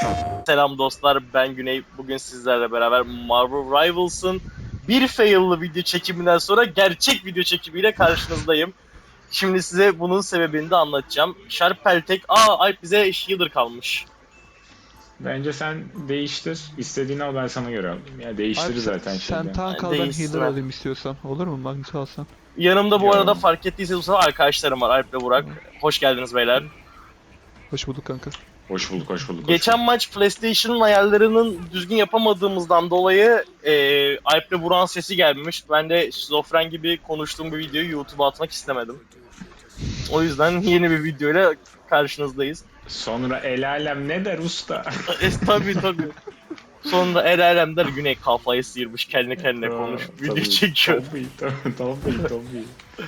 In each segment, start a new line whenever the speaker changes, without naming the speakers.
Selam dostlar, ben Güney. Bugün sizlerle beraber Marvel Rivals'ın bir fail'lı video çekiminden sonra gerçek video çekimiyle karşınızdayım. Şimdi size bunun sebebini de anlatacağım. Sharp Peltek, Alp bize healer kalmış.
Bence sen değiştir. İstediğini al, ben sana göre alayım. Ya değiştir
Alp
zaten
sen
şeyde.
tank al, ben
Değişsin
healer
ha.
alayım istiyorsan. Olur mu? Magnus alsan.
Yanımda bu arada
Yo.
fark ettiyseniz bu sefer arkadaşlarım var, Alp ve Burak. Hoş geldiniz beyler.
Hoş bulduk kanka.
Hoş bulduk, hoş bulduk.
Geçen maç PlayStation'ın ayarlarının düzgün yapamadığımızdan dolayı Alp ve Burak'ın sesi gelmemiş. Ben de şizofren gibi konuştuğum bir videoyu YouTube'a atmak istemedim. O yüzden yeni bir videoyla karşınızdayız.
Sonra el alem ne der usta?
Tabii. Sonra el alem der, Güney kafayı sıyırmış kendi kendine konuş. Video
Tabii,
çekiyor.
Tabii.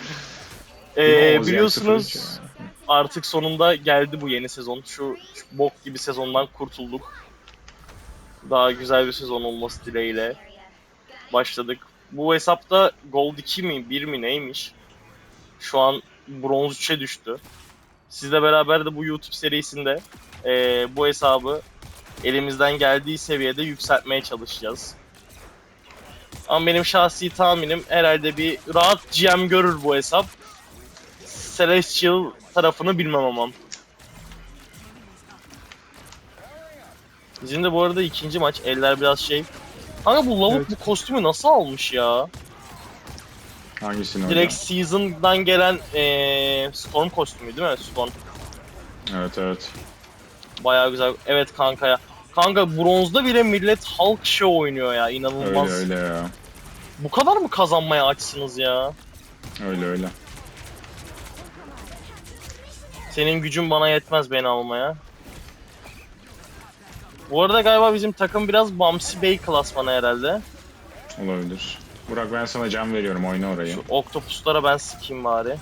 Biliyorsunuz artık sonunda geldi bu yeni sezon. Şu bok gibi sezondan kurtulduk. Daha güzel bir sezon olması dileğiyle başladık. Bu hesapta Gold 2 mi 1 mi neymiş? Şu an Bronz 3'e düştü. Sizle beraber de bu YouTube serisinde bu hesabı elimizden geldiği seviyede yükseltmeye çalışacağız. Ama benim şahsi tahminim herhalde bir rahat GM görür bu hesap. Celestial tarafını bilmem ama. Bizim de bu arada ikinci maç. Eller biraz şey. Kanka bu lavuk
Evet.
bu kostümü nasıl almış ya?
Hangisini
Direkt
hocam?
Season'dan gelen Storm kostümü değil mi? Storm.
Evet.
Bayağı güzel. Evet kanka ya. Kanka bronzda bile millet Hulk show oynuyor ya. İnanılmaz.
Öyle ya.
Bu kadar mı kazanmaya açsınız ya?
Öyle.
Senin gücün bana yetmez beni almaya. Bu arada galiba bizim takım biraz Bamsi Bey klasmanı herhalde.
Olabilir. Burak, ben sana can veriyorum, oyna orayı.
Şu oktopuslara ben sıkayım bari.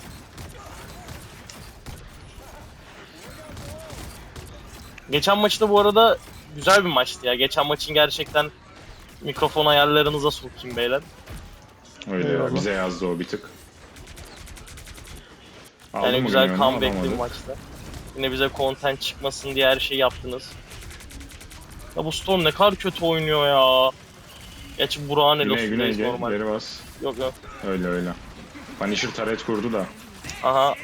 Geçen maçta bu arada güzel bir maçtı ya. Geçen maçın gerçekten mikrofon ayarlarınıza sokayım beyler.
Öyle ya.
Eyvallah.
Bize yazdı o bir tık. Aldın
Yani
mı
güzel
bilmiyorum ama
comeback'li bir
alamadı.
maçta. Yine bize content çıkmasın diye her şeyi yaptınız. Ya bu Storm ne kadar kötü oynuyor ya. Gerçi Burak'ın
Güney
elosundayız
gel.
normal.
Geri bas.
Yok.
Öyle. Punisher taret kurdu da.
Aha.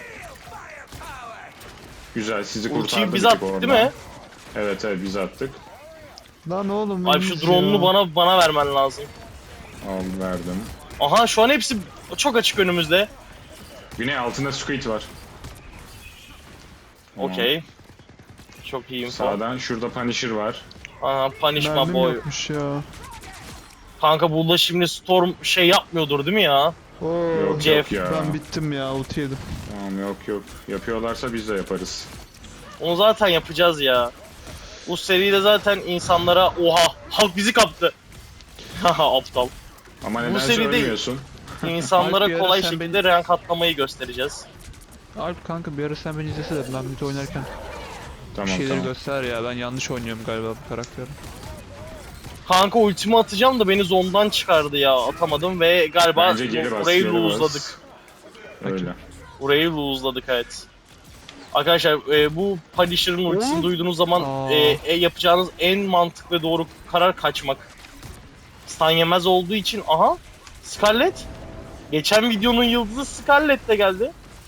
Güzel, sizi
Ultiyi
kurtardı
biz
bir tık
attık
orada.
değil mi?
Evet biz attık.
Lan oğlum
Abi şu drone'unu bana vermen lazım.
Al verdim.
Aha şu an hepsi çok açık önümüzde.
Güney altında Squid var. Tamam.
Okey. Çok iyi info.
Sağdan şurada Punisher var.
Aha punish my
Mermim
boy.
yokmuş ya.
Kanka burada şimdi Storm şey yapmıyordur değil mi ya?
Oo,
Yok
Jeff,
ya.
ben bittim ya, ulti yedim.
Tamam yok. Yapıyorlarsa biz de yaparız.
Onu zaten yapacağız ya. Bu seride zaten insanlara oha halk bizi kaptı. Haha aptal.
Ama
Bu
nedense
seride-
ölmüyorsun.
İnsanlara
Alp, bir ara
kolay
sen
şekilde rank atlamayı göstereceğiz.
Alp kanka bir ara sen beni izlesene, ben mid oynarken bir
Tamam
şeyleri
tamam.
göster ya, ben yanlış oynuyorum galiba bu karakteri.
Kanka ultimi atacağım da beni zondan çıkardı ya, atamadım ve galiba
Bence geri bas.
burayı
geri bas.
lose'ladık.
Öyle.
Burayı lose'ladık evet. Arkadaşlar bu Punisher'ın ultisini
Oğlum.
duyduğunuz zaman yapacağınız en mantıklı ve doğru karar kaçmak. Stun yemez olduğu için aha Scarlet. Geçen videonun yıldızı Scarlet de geldi.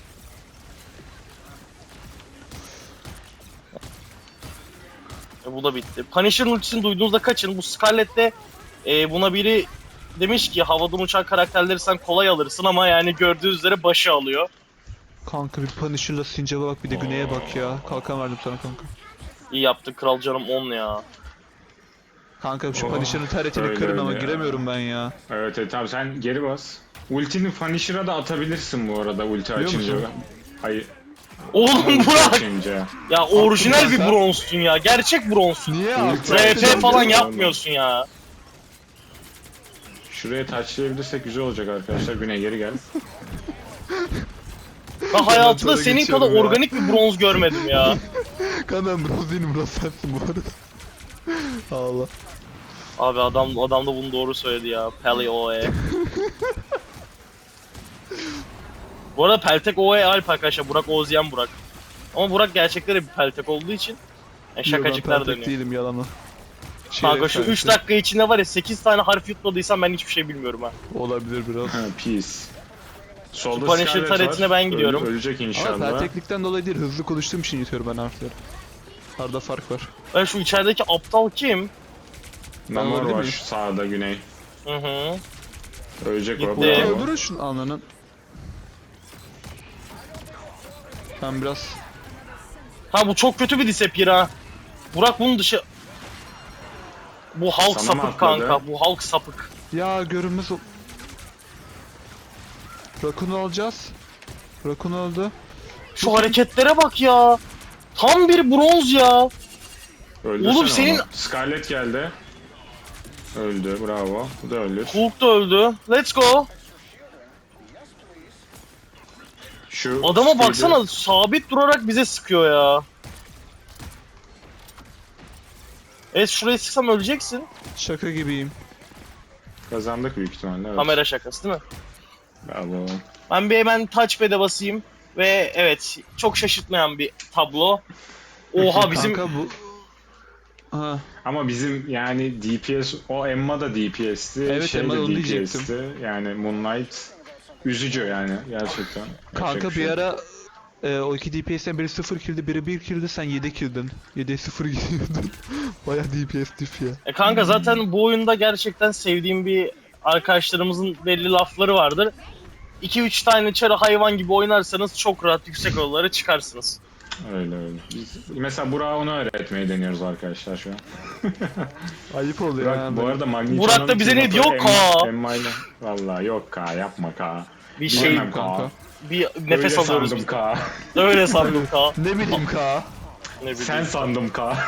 Bu da bitti. Punisher'ın ultisini duyduğunuzda kaçın. Bu Scarlet de buna biri demiş ki havadan uçan karakterleri sen kolay alırsın ama yani gördüğünüz üzere başı alıyor.
Kanka bir Punisher'la Sincap'a bak, bir de Güney'e bak ya. Kalkan verdim sana kanka.
İyi yaptık kral canım 10 ya.
Kanka şu Punisher'ın taretini
öyle
kırın ama
öyle ya.
giremiyorum ben ya.
Evet tamam, sen geri bas. Ultini Punisher'a da atabilirsin bu arada, ulti
Biliyor
açınca.
musun?
Hayır.
Oğlum
ulti
Burak!
açınca.
Ya orijinal bir
sen.
bronzsun ya. Gerçek bronzsun.
Niye
Ulti
abi?
RP
açınca
falan
oğlum.
yapmıyorsun ya.
Şuraya touchlayabilirsek güzel olacak arkadaşlar. Güney geri gel.
Ben hayatımda
sonra
senin
geçiyorum
kadar
ya.
organik bir bronz görmedim ya.
Kanka ben bronz değilim, bronz sensin bu arada. Allah.
Abi adam da bunu doğru söyledi ya. Peli OE. Bu arada Peltek OE Alp arkadaşlar. Burak Oğuzyen Burak. Ama Burak gerçekten bir Peltek olduğu için Şakacıklar
Ben
dönüyor.
değilim yalanı.
Kanka şu 3 dakika içinde var ya 8 tane harf yutmadıysam ben hiçbir şey bilmiyorum ha.
Olabilir biraz.
Ha, peace. Solda
Punisher
Scarlet
taretine
var.
ben gidiyorum.
Ölecek
Ama
inşallah.
perteklikten dolayı değil, hızlı konuştuğum için yutuyorum ben harfleri. Arada fark var.
Ben şu içerideki aptal kim?
Namor
Öyle
var
mi?
şu sağda güney.
Hı hı.
Ölecek o.
Gitti.
Bravo.
Öldürün şunu ananın. Ben biraz...
Ha bu çok kötü bir disappear ha. Burak bunun dışı... Bu halk
Sana mı
sapık
atladı?
kanka. Bu halk sapık.
Ya görünmez ol... Rakun'u alacağız. Rakun öldü.
Şu hareketlere bak ya. Tam bir bronz ya.
Öldürsene
Oğlum senin-
onu. Scarlet geldi. Öldü bravo. Bu da ölür.
Hulk da öldü. Let's go.
Şu
Adama
speed'i-
baksana sabit durarak bize sıkıyor ya. Evet şurayı sıksam öleceksin.
Şaka gibiyim.
Kazandık büyük ihtimalle. Evet.
Kamera şakası değil mi?
Bravo.
Ben bir hemen touchpad'e basayım. Ve evet çok şaşırtmayan bir tablo. Oha bizim...
Kanka bu... Ha,
Ama bizim yani DPS, o Emma da DPS'ti.
Evet,
şey
Emma
de
da onu
DPS'ti.
diyecektim.
Yani Moonlight üzücü yani gerçekten.
kanka
Yapacak
bir
şey yok.
ara o iki DPS'den biri 0 kill'di, biri 1 kill'di, sen 7 kill'din. 7'ye 0 gidiyordun. Baya DPS diff ya.
Kanka zaten bu oyunda gerçekten sevdiğim bir arkadaşlarımızın belli lafları vardır. 2-3 tane çarı hayvan gibi oynarsanız çok rahat yüksek odalara çıkarsınız.
Öyle öyle. Biz, mesela Burak'a onu öğretmeyi deniyoruz arkadaşlar şu an.
Ayıp oluyor
Burak,
ya.
bu arada Magneto'nun...
Burak da bize ne diyor? Ka.
Emma'yla... Valla yok Ka, yapma Ka.
Bir şey,
Bilemem
kanka.
bir nefes
Öyle
alıyoruz
sandım
biz.
Ka.
Öyle sandım Ka.
Ne bileyim ka.
Ne bileyim.
Sen sandım Ka.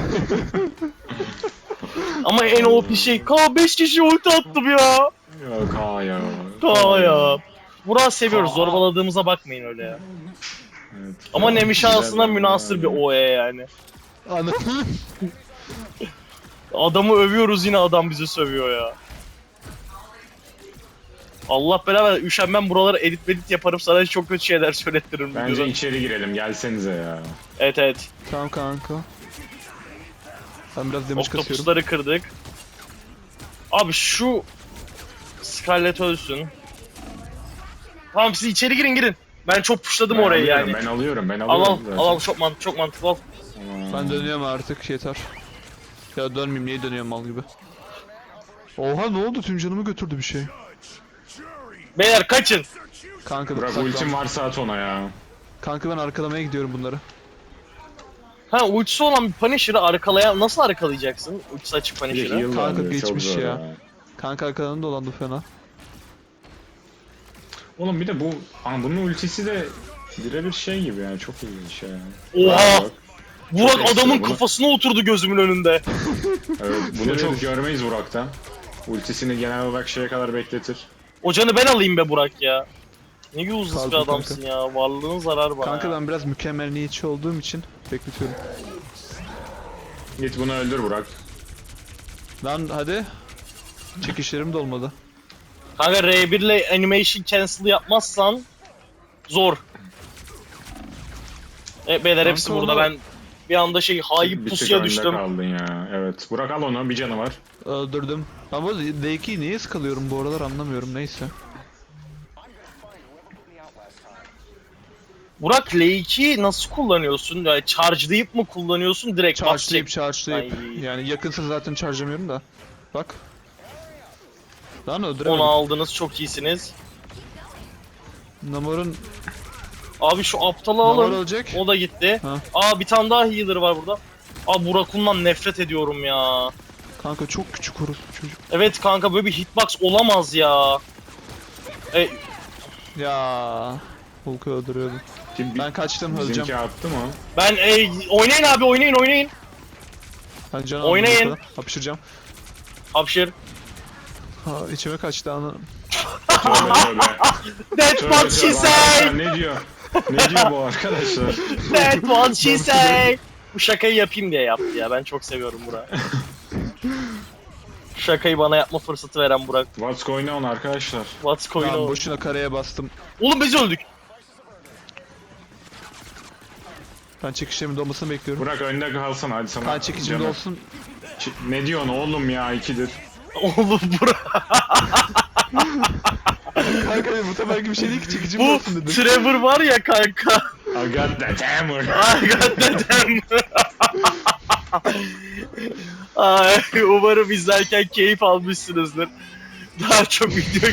Ama en OP şey Ka 5 kişi ulti attım ya.
Ya Ka ya.
Ka ya. Burak'ı seviyoruz.
Ka.
Zorbaladığımıza bakmayın öyle ya.
Evet.
Ama Nemi şansına
Güzel
münasır bir OE yani.
Anam.
Adamı övüyoruz yine adam bizi sövüyor ya. Allah beraber üşenmem buraları edit yaparım sana çok kötü şeyler söylettiririm.
Bence
videoda.
içeri girelim gelsenize ya.
Evet evet.
Tamam kanka. Ben biraz damage kasıyorum.
Oktopusları kırdık. Abi şu Scarlet ölsün. Tamam siz içeri girin. Ben çok pushladım
Ben
orayı
alıyorum,
yani.
Ben alıyorum ben
Al
alıyorum. zaten.
al çok mantıklı al.
Tamam.
Ben dönüyorum artık yeter. Ya dönmeyeyim, niye dönüyorum mal gibi. Oha ne oldu, tüm canımı götürdü bir şey.
Beyler kaçın.
Kanka
Burak
saklan.
ultim varsa at ona ya.
Kanka ben arkalamaya gidiyorum bunları.
Ha ultisi olan bir Punisher'ı arkalayan nasıl arkalayacaksın? Ultisi açık
Bir de
Punisher'ı.
heal
Kanka
var diyor, çok
geçmiş
zor
ya. Kanka arkadan dolandı fena.
Oğlum bir de bu bunun ultisi de birebir şey gibi yani çok ilginç şey yani.
Oha!
Bak,
Burak
ekstra
adamın
bunu.
kafasına oturdu gözümün önünde.
evet bunu
Evet.
çok görmeyiz Burak'tan. Ultisini genel olarak şeye kadar bekletir.
O canı ben alayım be Burak ya. Ne useless bir
Kalkın
adamsın ya. Varlığın zarar bana.
Kanka
ya.
ben biraz mükemmeliyetçi olduğum için bekletiyorum.
Git bunu öldür Burak.
Lan hadi. Çekişlerim de olmadı.
Kanka R1 ile animation cancel yapmazsan zor. Evet beyler hepsi
Kanka
burada
onu-
ben bir anda hain
Bir tık
pusuya
önde
düştüm.
kaldın ya. Evet. Burak al onu bir canı var.
Öldürdüm. Ama D2'yi niye sıkılıyorum bu aralar anlamıyorum, neyse.
Burak L2'yi nasıl kullanıyorsun? Yani charge'layıp mı kullanıyorsun direkt
Charge'layıp
basacak?
charge'layıp.
Ay.
Yani yakınsa zaten charge'lamıyorum da. Bak. Lan
Onu
öldüremedim.
aldınız çok iyisiniz.
Namor'un...
Abi şu aptalı
Namor
alın.
ölecek.
O da gitti.
Ha.
Aa bir tane daha healer var burada. Aa Burakun'dan nefret ediyorum ya.
Kanka çok küçük orospu çocuk.
Evet kanka böyle bir hitbox olamaz ya.
Ya Hulk'u öldürüyordum.
Kim,
Ben kaçtım, öleceğim.
Bizimki attı mı?
Ben oynayın abi oynayın.
Ben can
Oynayın.
aldım ortada. Hapşıracağım.
Hapşır.
Ha, içime kaçtı anı.
Tövbe tövbe.
That's
Tövbe
what she
tövbe.
said.
Arkadaşlar ne diyor? Ne diyor bu arkadaşlar?
That's what she said. Bu şakayı yapayım diye yaptı ya. Ben çok seviyorum Burak. Şakayı bana yapma fırsatı veren Burak.
What's going on arkadaşlar?
What's going
Lan
on?
boşuna kareye bastım.
Oğlum biz öldük.
Ben çekişlerimin dolmasını bekliyorum.
Burak önde kalsana hadi sana.
Ben çekicim
canım.
dolsun.
Ne diyorsun oğlum ya, ikidir.
Oğlum
Kanka bu seferki bir şey değil ki çekicim
bu
dolsun dedim.
Trevor var ya kanka.
I got that hammer.
I got that hammer. Ay, umarım izlerken keyif almışsınızdır. Daha çok video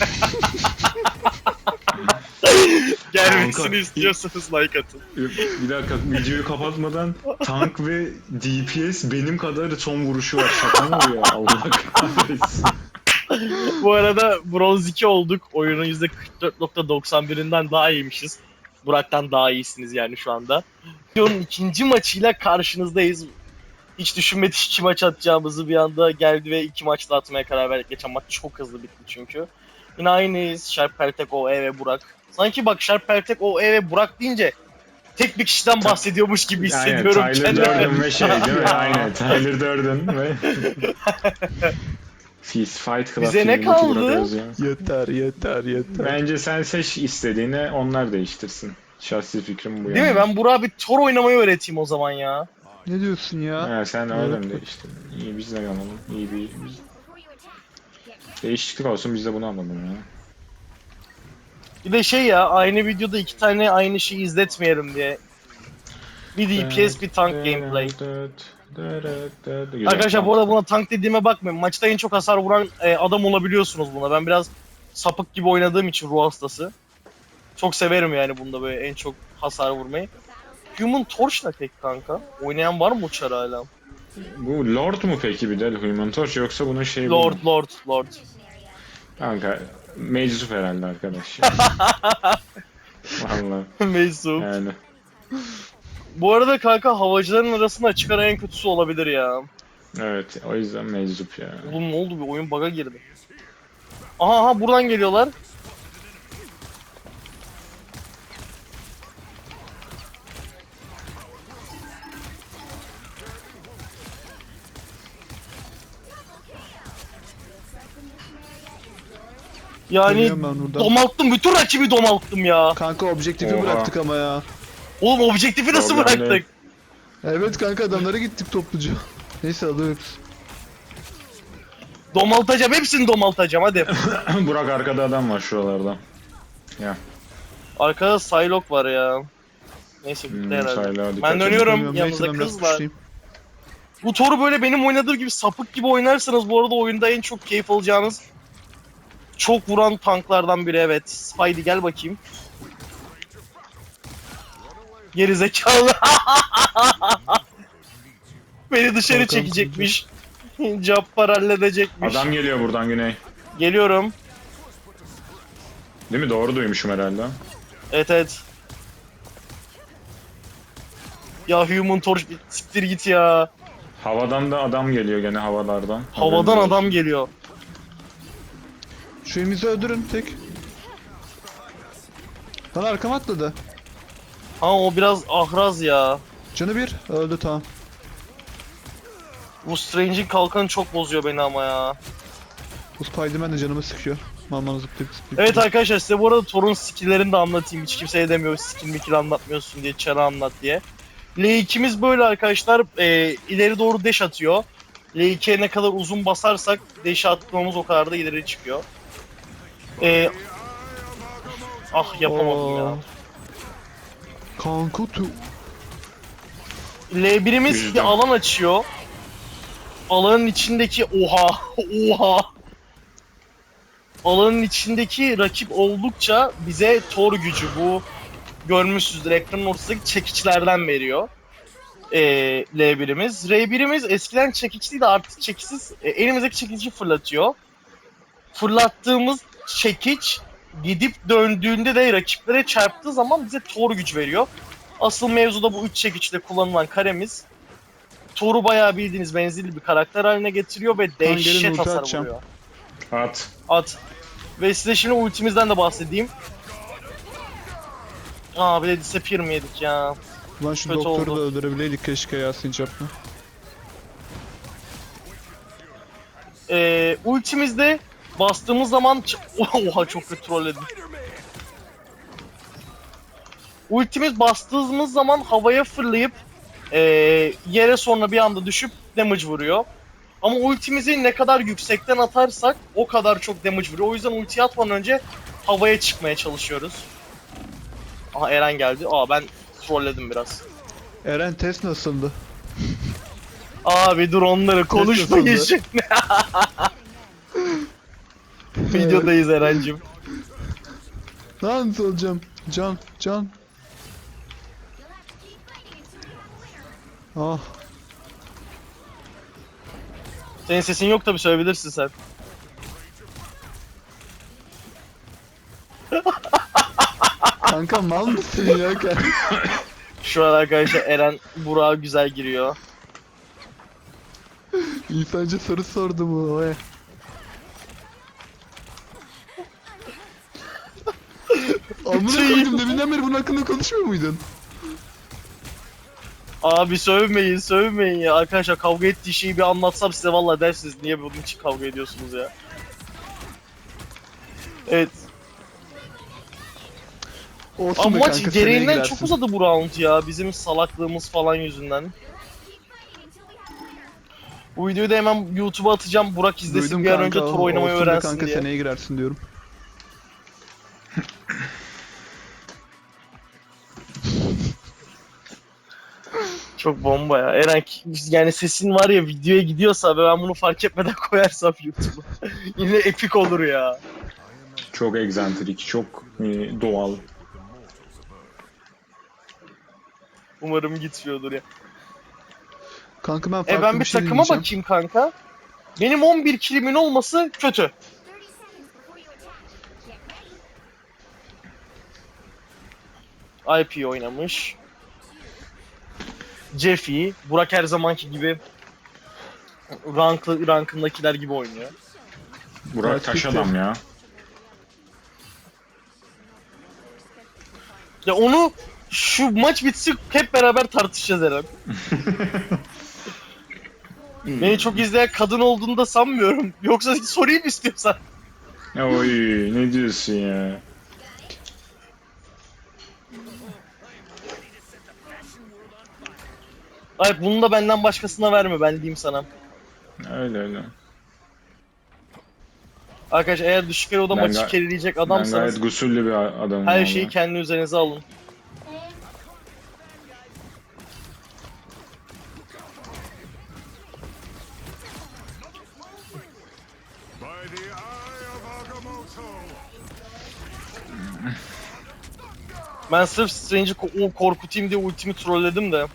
gelmesini
Kanka.
istiyorsanız like atın.
Bir dakika, videoyu kapatmadan tank ve DPS benim kadar son vuruşu var. Şaka mı bu ya? Allah kahretsin.
Bu arada bronz 2 olduk. Oyunun %44.91'inden daha iyiymişiz. Burak'tan daha iyisiniz yani şu anda. Videonun ikinci maçıyla karşınızdayız. Hiç düşünmedik 2 maç atacağımızı, bir anda geldi ve 2 maçta atmaya karar verdik. Geçen maç çok hızlı bitti çünkü. Yine aynıyız. Sharp Peltek, OE ve Burak. Sanki bak Sharp Peltek, OE ve Burak deyince tek bir kişiden bahsediyormuş gibi hissediyorum
Aynen, Tyler
kendimi.
Durden ve şey değil mi? Aynen, Tyler Durden ve... Fist Fight Club
Bize ne
filmindeki
kaldı?
Burak Özyan.
Yeter.
Bence sen seç istediğini, onlar değiştirsin. Şahsi fikrim bu
Değil mi? Ben Burak'a bir Thor oynamayı öğreteyim o zaman ya.
Ne diyorsun ya?
Ha, sen öyle mi değiştirdin? İyi, biz de yanalım. İyi bir... Değişiklik olsun, biz de bunu anladım ya.
Bir de şey ya, aynı videoda 2 tane aynı şeyi izletmeyelim diye. Bir DPS, bir tank gameplay.
Güzel,
Arkadaşlar
tamam.
bu arada buna tank dediğime bakmayın. Maçta en çok hasar vuran adam olabiliyorsunuz buna. Ben biraz sapık gibi oynadığım için ruh hastası. Çok severim yani bunda böyle en çok hasar vurmayı. Human Torch ne peki kanka? Oynayan var mı uçar hala?
Bu Lord mu peki bir de Human Torch, yoksa bunun şeyi bu mu?
Lord.
Kanka meczup herhalde arkadaş ya. Vallahi
Meczup.
yani.
Bu arada kanka havacıların arasında açık ara en kötüsü olabilir ya.
Evet, o yüzden meczup ya.
Oğlum ne oldu, bir oyun bug'a girdi. Aha buradan geliyorlar. Yani
Geliyorum ben buradan.
domalttım, bütün rakibi domalttım ya.
Kanka objektifi
Oha.
bıraktık ama ya.
Oğlum objektifi nasıl
Problem
bıraktık?
değil.
Evet kanka adamlara gittik topluca. Neyse alıyoruz.
Domaltacağım, hepsini domaltacağım hadi.
Burak, arkada adam var şuralarda. Ya.
Arkada Psylocke var ya. Neyse bitti herhalde.
Sayla, dikkat
Ben
edin.
dönüyorum.
Bilmiyorum,
Yanımızda
neyse ben biraz
kız var.
puşlayayım.
Bu Thor'u böyle benim oynadığım gibi sapık gibi oynarsanız bu arada oyunda en çok keyif alacağınız çok vuran tanklardan biri, evet. Spidey gel bakayım. Gerizekalı. Beni dışarı
Korkan
çekecekmiş. Cabbar halledecekmiş.
Adam geliyor buradan güney.
Geliyorum.
Değil mi? Doğru duymuşum herhalde.
Evet. Ya Human Torch bir siktir git ya.
Havadan da adam geliyor gene, havalardan.
Havadan
Haberiniz
adam
olsun.
geliyor.
Şu elimizi öldürün tek. Lan arkama atladı.
Ha o biraz ahraz ya.
Canı bir. Öldü tamam.
Bu Strange'in kalkanı çok bozuyor beni ama ya.
Bu Spiderman de canımı sıkıyor. Malman zıplayıp.
Evet arkadaşlar, size bu arada Thor'un skill'lerini de anlatayım. Hiç kimseye demiyor skill mikil anlatmıyorsun diye, çarı anlat diye. L2'miz böyle arkadaşlar, ileri doğru dash atıyor. L2'ye ne kadar uzun basarsak dash atmamız o kadar da ileri çıkıyor. Ah yapamadım ya.
Kanka tu.
L1'imiz bir
Yüzden.
alan açıyor. Alanın içindeki oha. Alanın içindeki rakip oldukça bize Thor gücü, bu görmüşsüzdür ekranın ortasındaki çekiçlerden veriyor. L1'imiz. R1'imiz eskiden çekiçliydi, artık çekiçsiz. Elimizdeki çekici fırlatıyor. Fırlattığımız çekiç gidip döndüğünde de rakiplere çarptığı zaman bize Thor gücü veriyor. Asıl mevzuda bu 3 çekiçle kullanılan karemiz Thor'u bayağı bildiğiniz menzilli bir karakter haline getiriyor ve
gelin
dehşet
ulti
hasar
atacağım.
vuruyor.
At.
At. Ve size şimdi ultimizden de bahsedeyim. Bir de disappear mı yedik ya?
Lan şu
Kötü
doktoru
oldu.
da öldürebileydik keşke ya Sincap'la.
Ultimizde bastığımız zaman oha çok kötü trolledim. ultimiz bastığımız zaman havaya fırlayıp yere sonra bir anda düşüp damage vuruyor. Ama ultimizi ne kadar yüksekten atarsak o kadar çok damage vuruyor. O yüzden ultiyi atmadan önce havaya çıkmaya çalışıyoruz. Aha Eren geldi. Ben trolledim biraz.
Eren test nasıldı?
Abi dur onları konuşmayın
nasıldı?
şimdi. Videodayız Eren'cim.
Nasıl olacağım? Can. Ah.
Senin sesin yok tabi, söyleyebilirsin sen.
Kanka mal mısın ya?
Şu an arkadaşlar Eren Burak'a güzel giriyor.
İnsanca soru sordu bu. Oy. Amına koydum, deminden beri bunun hakkında konuşmuyor muydun?
Abi sövmeyin ya. Arkadaşlar kavga ettiği şeyi bir anlatsam size vallahi dersiniz niye bunun için kavga ediyorsunuz ya. Evet.
Olsun
Ama
be
maç
kanka, seneye
gereğinden
girersin.
çok uzadı bu round ya. Bizim salaklığımız falan yüzünden. Bu videoyu da hemen YouTube'a atacağım. Burak izlesin
Duydum
bir an
kanka,
önce tur oynamayı
olsun be
öğrensin
kanka,
diye.
seneye girersin diyorum.
Çok bomba ya. Eren yani sesin var ya videoya gidiyorsa ve ben bunu fark etmeden koyarsam YouTube'a yine epik olur ya.
Çok egzantrik, çok doğal.
Umarım gitmiyordur ya.
Kanka ben farklı
Ben bir
şey
takıma
deneyeceğim.
bakayım kanka. Benim 11 kilimin olması kötü. IP oynamış. Jeffy, Burak her zamanki gibi rankındakiler gibi oynuyor.
Burak taş adam ya.
Ya onu şu maç bitsin hep beraber tartışacağız Eren. Beni çok izleyen kadın olduğunu da sanmıyorum. Yoksa sorayım mı istiyorsan?
Oy, ne diyorsun ya?
Hayır bunu da benden başkasına verme ben diyeyim sana.
Öyle.
Arkadaş eğer düşük eloda
Ben
maçı
ga-
carryleyecek
Ben
adamsanız
gayet gusüllü bir adamım.
her
valla.
şeyi kendi üzerinize alın.
By the eye of Agamotto.
Ben sırf Strange'i korkutayım diye ultimi trolledim de.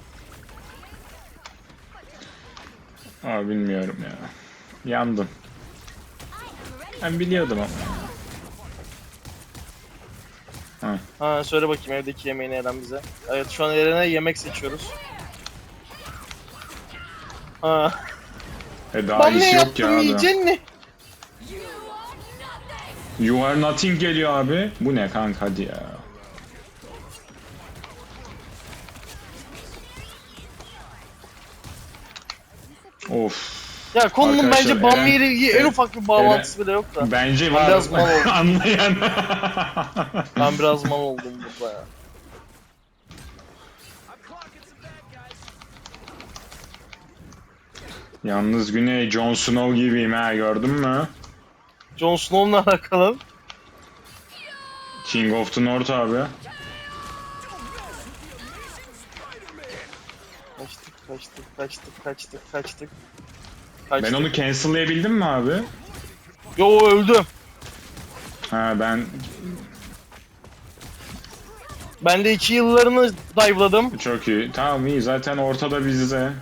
Bilmiyorum ya. Yandım. Ben biliyordum ama.
Ha söyle bakayım evdeki yemeğini Eren bize. Evet şu an Eren'e yemek seçiyoruz. Ha.
Daha
Ben ne
iyisi yok ya.
yaptım yiyeceksin mi?
You are nothing geliyor abi. Bu ne kanka, hadi ya. Of.
Ya konunun
Arkadaşlar,
bence Bambi
Eren-
ile en ufak bir bağlantısı bile yok da.
Bence
Ben biraz mal
var.
oldum.
Anlayan.
Ben biraz mal oldum burada ya.
Yalnız Güney Jon Snow gibiyim ha, gördün mü?
Jon Snow'la alakalı.
King of the North abi.
Kaçtık.
Ben onu cancel'layabildim mi abi?
Yo öldü.
Ben
Ben de 2 yıllarını dive'ladım.
çok iyi. Tamam, iyi, zaten ortada bizde.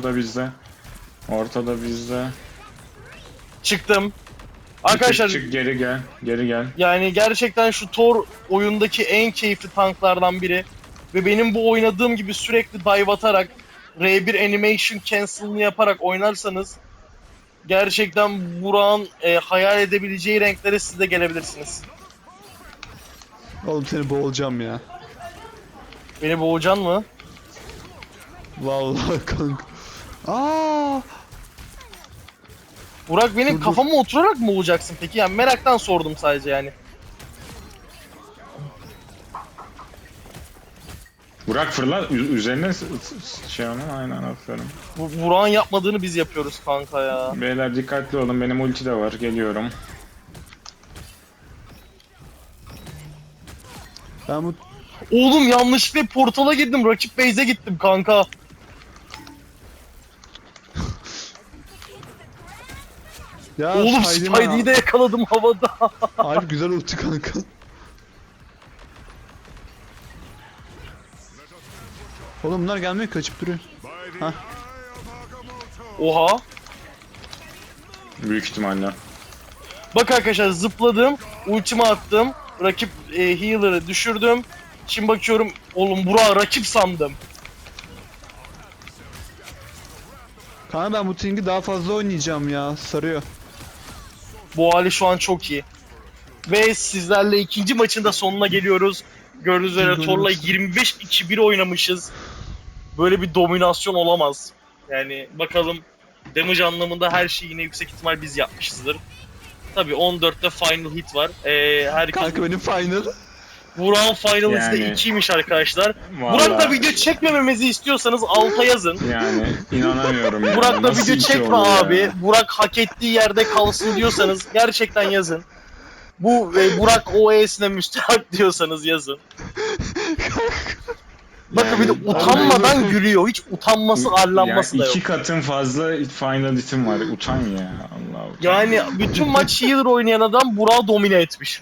Ortada bizde.
Çıktım. Arkadaşlar
Çık, geri gel.
yani gerçekten şu Thor oyundaki en keyifli tanklardan biri. Ve benim bu oynadığım gibi sürekli dive atarak R1 animation cancel'ını yaparak oynarsanız gerçekten Burak'ın hayal edebileceği renklere siz de gelebilirsiniz.
Oğlum seni boğulacağım ya.
Beni boğacaksın mı?
Vallahi kanka. Aa!
Burak benim
Dur.
kafama oturarak mı boğacaksın peki? Yani meraktan sordum sadece yani.
Burak fırla üzerine şey onu aynen aferin.
Bu Burak'ın yapmadığını biz yapıyoruz kanka ya.
Beyler dikkatli olun, benim ulti de var, geliyorum.
Ben bu
Oğlum yanlışlıkla portala girdim. Rakip base'e gittim kanka.
ya
Oğlum
Spidey'im
Spidey'i de yakaladım havada.
Harbi güzel ulti kanka. Oğlum bunlar gelmiyor, kaçıp duruyor.
By the
Huh.
eye of Agamotto.
Oha.
Büyük ihtimalle.
Bak arkadaşlar zıpladım. Ultimi attım. Rakip healer'ı düşürdüm. Şimdi bakıyorum oğlum Burak'ı rakip sandım.
Kanka ben bu Ting'i daha fazla oynayacağım ya, sarıyor.
Bu hali şu an çok iyi. Ve sizlerle ikinci maçın da sonuna geliyoruz. Gördüğünüz üzere Thor'la 25-2-1 oynamışız. Böyle bir dominasyon olamaz. Yani bakalım damage anlamında her şeyi yine yüksek ihtimal biz yapmışızdır. Tabii 14'te final hit var. Herkes
Kanka benim final.
Burak'ın final hit'i de
Yani.
2'ymiş arkadaşlar.
Vallahi,
Burak'la video çekmememizi istiyorsanız alta yazın.
yani inanamıyorum ya.
Burak'la
Nasıl
video
iki
çekme
oldu ya?
abi. Burak hak ettiği yerde kalsın diyorsanız gerçekten yazın. Bu Burak OE'sine müstehak diyorsanız yazın. Bakın bir de
Yani-
utanmadan gülüyor. Hiç utanması, arlanması
Yani
da yok.
2 katın fazla final itim var. Utan ya. Allah utan.
Yani bütün maç healer oynayan adam Burak'ı domine etmiş.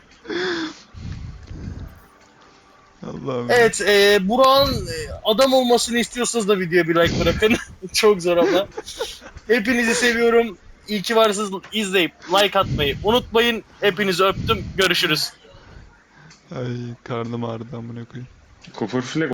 Allah'ım.
Evet, Burak'ın adam olmasını istiyorsanız da videoya bir like bırakın. Çok zor ama. Hepinizi seviyorum. İyi ki varsınız. İzleyip like atmayı unutmayın. Hepinizi öptüm. Görüşürüz.
Ay karnım ağrıdı amına koyayım.
Copper Flag